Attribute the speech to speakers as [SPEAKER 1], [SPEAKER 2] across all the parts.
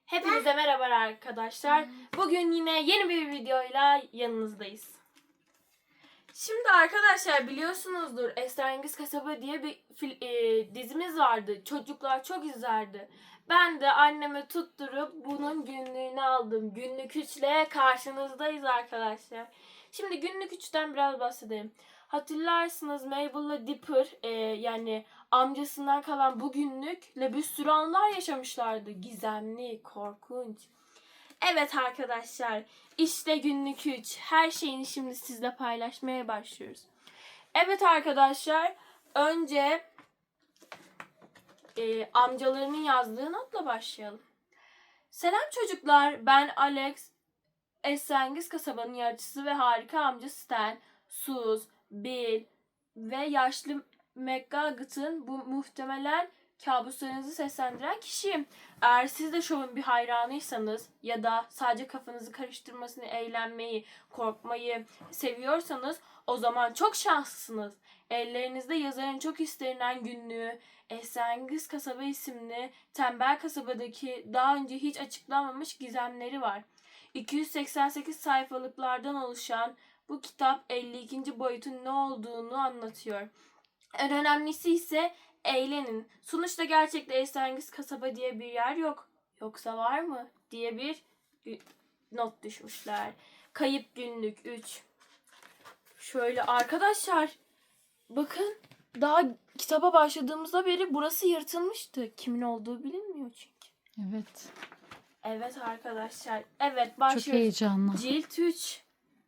[SPEAKER 1] Hepinize merhaba arkadaşlar. Bugün yine yeni bir videoyla yanınızdayız. Şimdi arkadaşlar biliyorsunuzdur Esrarengiz Kasaba diye bir dizimiz vardı. Çocuklar çok izlerdi. Ben de anneme tutturup bunun günlüğünü aldım. Günlük 3'le karşınızdayız arkadaşlar. Şimdi günlük 3'ten biraz bahsedeyim. Hatırlarsınız Mabel'la Dipper yani amcasından kalan bu günlükle bir sürü anlar yaşamışlardı. Gizemli, korkunç. Evet arkadaşlar, işte günlük 3. Her şeyini şimdi sizle paylaşmaya başlıyoruz. Evet arkadaşlar, önce amcalarının yazdığı notla başlayalım. Selam çocuklar, ben Alex. Esrarengiz Kasaba'nın yaratıcısı ve harika amca Stan, Sus, Bill ve yaşlı McGugget'ın bu muhtemelen kabuslarınızı seslendiren kişiyim. Eğer siz de şovun bir hayranıysanız ya da sadece kafanızı karıştırmasını, eğlenmeyi, korkmayı seviyorsanız o zaman çok şanslısınız. Ellerinizde yazarın çok istenilen günlüğü, Esrarengiz Kasaba isimli tembel kasabadaki daha önce hiç açıklanmamış gizemleri var. 288 sayfalıklardan oluşan bu kitap 52. boyutun ne olduğunu anlatıyor. En önemlisi ise eğlenin. Sonuçta gerçekte Esrarengiz Kasaba diye bir yer yok. Yoksa var mı? Diye bir not düşmüşler. Kayıp günlük 3. Şöyle arkadaşlar bakın daha kitaba başladığımızda beri burası yırtılmıştı. Kimin olduğu bilinmiyor çünkü.
[SPEAKER 2] Evet.
[SPEAKER 1] Evet arkadaşlar. Evet başlıyoruz.
[SPEAKER 2] Çok heyecanlı.
[SPEAKER 1] Cilt 3.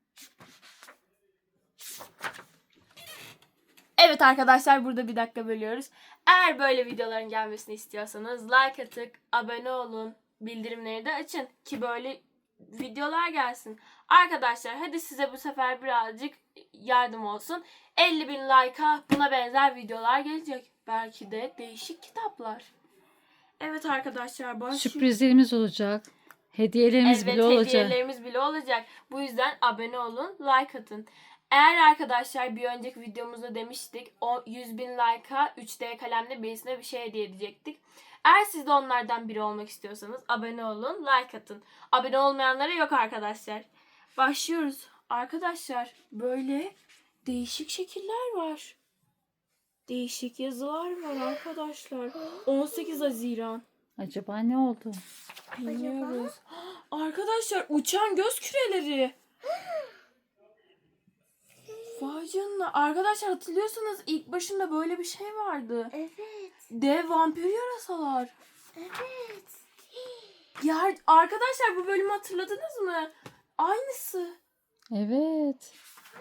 [SPEAKER 1] Evet arkadaşlar burada bir dakika bölüyoruz. Eğer böyle videoların gelmesini istiyorsanız like atıp abone olun. Bildirimleri de açın ki böyle videolar gelsin. Arkadaşlar hadi size bu sefer birazcık yardım olsun. 50.000 like'a buna benzer videolar gelecek. Belki de değişik kitaplar. Evet arkadaşlar başlıyoruz.
[SPEAKER 2] Sürprizlerimiz olacak. Hediyelerimiz bile olacak.
[SPEAKER 1] Hediyelerimiz bile olacak. Bu yüzden abone olun, like atın. Eğer arkadaşlar bir önceki videomuzda demiştik o 100.000 like'a 3D kalemle birisine bir şey hediye edecektik. Eğer siz de onlardan biri olmak istiyorsanız abone olun, like atın. Abone olmayanlara yok arkadaşlar. Başlıyoruz. Arkadaşlar böyle değişik şekiller var. Değişik yazılar var arkadaşlar. 18 Haziran.
[SPEAKER 2] Acaba ne oldu?
[SPEAKER 1] Bilmiyoruz. Arkadaşlar uçan göz küreleri. Vay canına. Arkadaşlar hatırlıyorsanız ilk başında böyle bir şey vardı.
[SPEAKER 3] Evet.
[SPEAKER 1] Dev vampir yarasalar.
[SPEAKER 3] Evet.
[SPEAKER 1] Ya arkadaşlar bu bölümü hatırladınız mı? Aynısı.
[SPEAKER 2] Evet.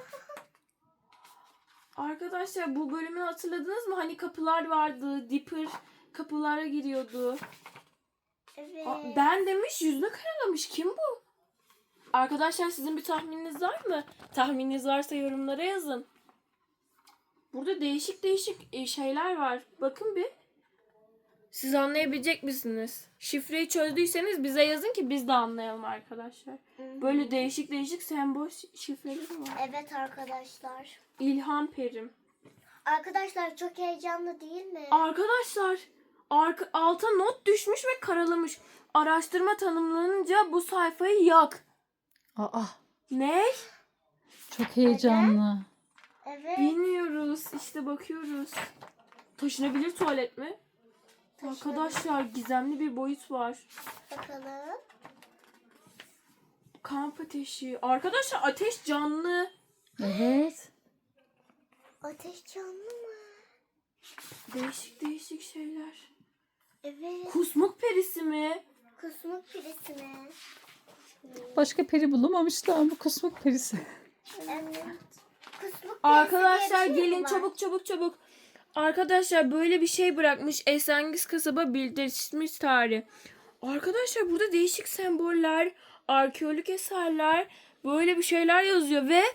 [SPEAKER 1] Arkadaşlar bu bölümü hatırladınız mı? Hani kapılar vardı. Dipper kapılara giriyordu.
[SPEAKER 3] Evet.
[SPEAKER 1] Ben demiş yüzünü karalamış. Kim bu? Arkadaşlar sizin bir tahmininiz var mı? Tahmininiz varsa yorumlara yazın. Burada değişik değişik şeyler var. Bakın bir. Siz anlayabilecek misiniz? Şifreyi çözdüyseniz bize yazın ki biz de anlayalım arkadaşlar. Böyle değişik değişik sembol şifreleri var.
[SPEAKER 3] Evet arkadaşlar.
[SPEAKER 1] İlham Perim.
[SPEAKER 3] Arkadaşlar çok heyecanlı değil mi?
[SPEAKER 1] Arkadaşlar alta not düşmüş ve karalamış. Araştırma tanımlanınca bu sayfayı yak.
[SPEAKER 2] Aa,
[SPEAKER 1] Ne?
[SPEAKER 2] çok heyecanlı.
[SPEAKER 3] Evet.
[SPEAKER 1] Bilmiyoruz. İşte bakıyoruz. Taşınabilir tuvalet mi?
[SPEAKER 3] Taşınabilir.
[SPEAKER 1] Arkadaşlar gizemli bir boyut var.
[SPEAKER 3] Bakalım.
[SPEAKER 1] Kamp ateşi. Arkadaşlar ateş canlı.
[SPEAKER 2] Evet.
[SPEAKER 3] Ateş canlı mı?
[SPEAKER 1] Değişik değişik şeyler.
[SPEAKER 3] Evet.
[SPEAKER 1] Kusmuk perisi mi?
[SPEAKER 3] Kusmuk pirisi mi?
[SPEAKER 2] Başka peri bulamamışlar. Bu kusmuk perisi.
[SPEAKER 3] Evet. Kusmuk
[SPEAKER 1] Arkadaşlar
[SPEAKER 3] pirisi diye bir şey mi
[SPEAKER 1] gelin
[SPEAKER 3] var?
[SPEAKER 1] çabuk çabuk çabuk. Arkadaşlar böyle bir şey bırakmış. Esrarengiz Kasaba bildirmiş tarih. Arkadaşlar burada değişik semboller, arkeolojik eserler, böyle bir şeyler yazıyor ve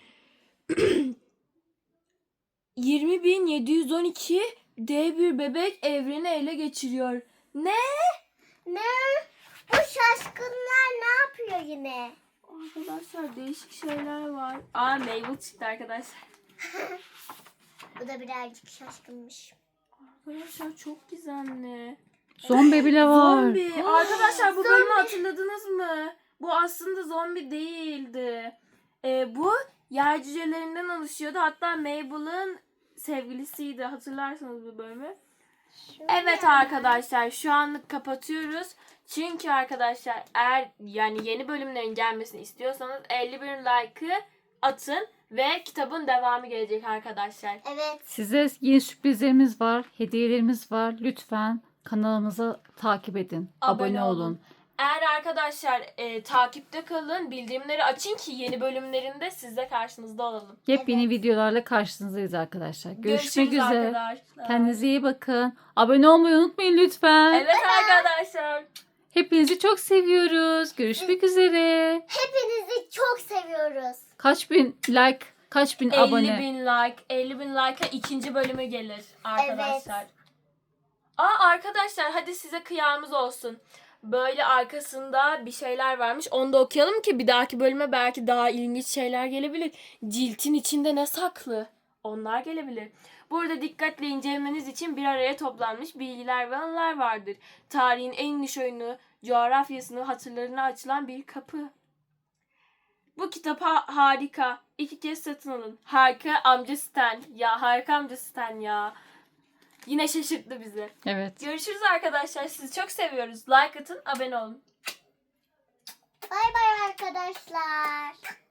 [SPEAKER 1] 20.712 dev bir bebek evreni ele geçiriyor. Ne?
[SPEAKER 3] Ne? Bu şaşkınlar ne yapıyor yine?
[SPEAKER 1] Arkadaşlar değişik şeyler var. Aa Mabel çıktı arkadaşlar.
[SPEAKER 3] Bu da birazcık şaşkınmış.
[SPEAKER 1] Arkadaşlar çok gizemli.
[SPEAKER 2] Zombi bile var.
[SPEAKER 1] Zombi. Arkadaşlar bu bölümü hatırladınız mı? Bu aslında zombi değildi. Bu yer cücelerinden oluşuyordu. Hatta Mabel'ın sevgilisiydi. Hatırlarsanız bu bölümü. Evet arkadaşlar, şu anlık kapatıyoruz. Çünkü arkadaşlar eğer yani yeni bölümlerin gelmesini istiyorsanız 51 like'ı atın ve kitabın devamı gelecek arkadaşlar.
[SPEAKER 3] Evet.
[SPEAKER 2] Size yeni sürprizlerimiz var, hediyelerimiz var. Lütfen kanalımızı takip edin. Abone olun.
[SPEAKER 1] Eğer arkadaşlar takipte kalın, bildirimleri açın ki yeni bölümlerinde sizle karşınızda olalım.
[SPEAKER 2] Yepyeni videolarla karşınızdayız arkadaşlar. Görüşmek
[SPEAKER 1] Görüşürüz
[SPEAKER 2] üzere.
[SPEAKER 1] arkadaşlar.
[SPEAKER 2] Kendinize iyi bakın. Abone olmayı unutmayın lütfen.
[SPEAKER 1] Evet arkadaşlar.
[SPEAKER 2] Hepinizi çok seviyoruz. Görüşmek üzere.
[SPEAKER 3] Hepinizi çok seviyoruz.
[SPEAKER 2] Kaç bin like, kaç bin
[SPEAKER 1] 50
[SPEAKER 2] abone.
[SPEAKER 1] bin like, 50 bin like'a ikinci bölümü gelir arkadaşlar. Arkadaşlar hadi size kıyamız olsun. Böyle arkasında bir şeyler varmış. Onu da okuyalım ki bir dahaki bölüme belki daha ilginç şeyler gelebilir. Ciltin içinde ne saklı? Onlar gelebilir. Burada dikkatle incelemeniz için bir araya toplanmış bilgiler ve anılar vardır. Tarihin en niş oyunu, coğrafyasını, hatırlarına açılan bir kapı. Bu kitap harika. 2 kez satın alın. Harika amca Stan. Ya harika amca Stan ya. Yine şaşırttı bizi.
[SPEAKER 2] Evet.
[SPEAKER 1] Görüşürüz arkadaşlar. Sizi çok seviyoruz. Like atın, abone olun.
[SPEAKER 3] Bay bay arkadaşlar.